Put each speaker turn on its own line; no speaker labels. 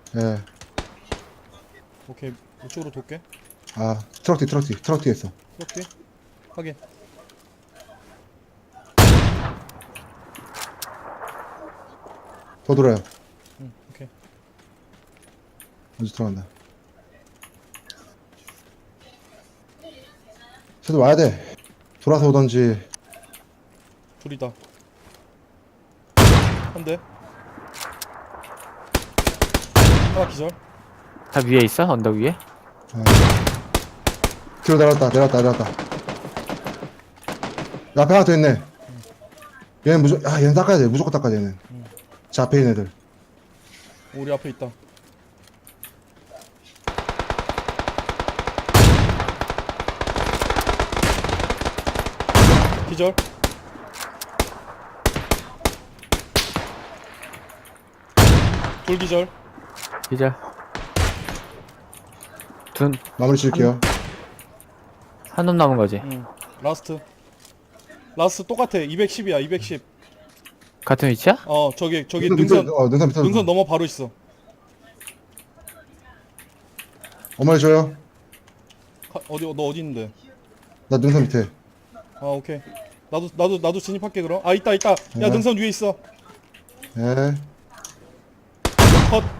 예.
오케이, 이쪽으로 돌게.
아, 트럭 뒤에 있어.
이렇게 확인.
더 돌아요.
응, 오케이.
먼저 들어간다. 쟤도 와야 돼. 돌아서 오던지.
둘이다. 한 대. 하나 기절.
다 위에 있어? 언덕 위에?
예. 뒤로 내려왔다. 앞에 하나 더 있네. 얘는 얘는 닦아야 돼. 무조건 닦아야 돼, 얘는. 저 앞에 있는 애들.
우리 앞에 있다. 기절. 돌 기절.
기절.
마무리 지을게요.
한 놈 남은 거지?
응. 라스트 똑같아. 210이야. 210.
같은 위치야?
저기
능선
능선 넘어 바로 있어.
어머니 줘요.
너 어디 있는데?
나 능선 밑에.
아, 오케이. 나도 진입할게 그럼. 아, 있다. 야,
네.
능선 위에 있어.
예.
컷.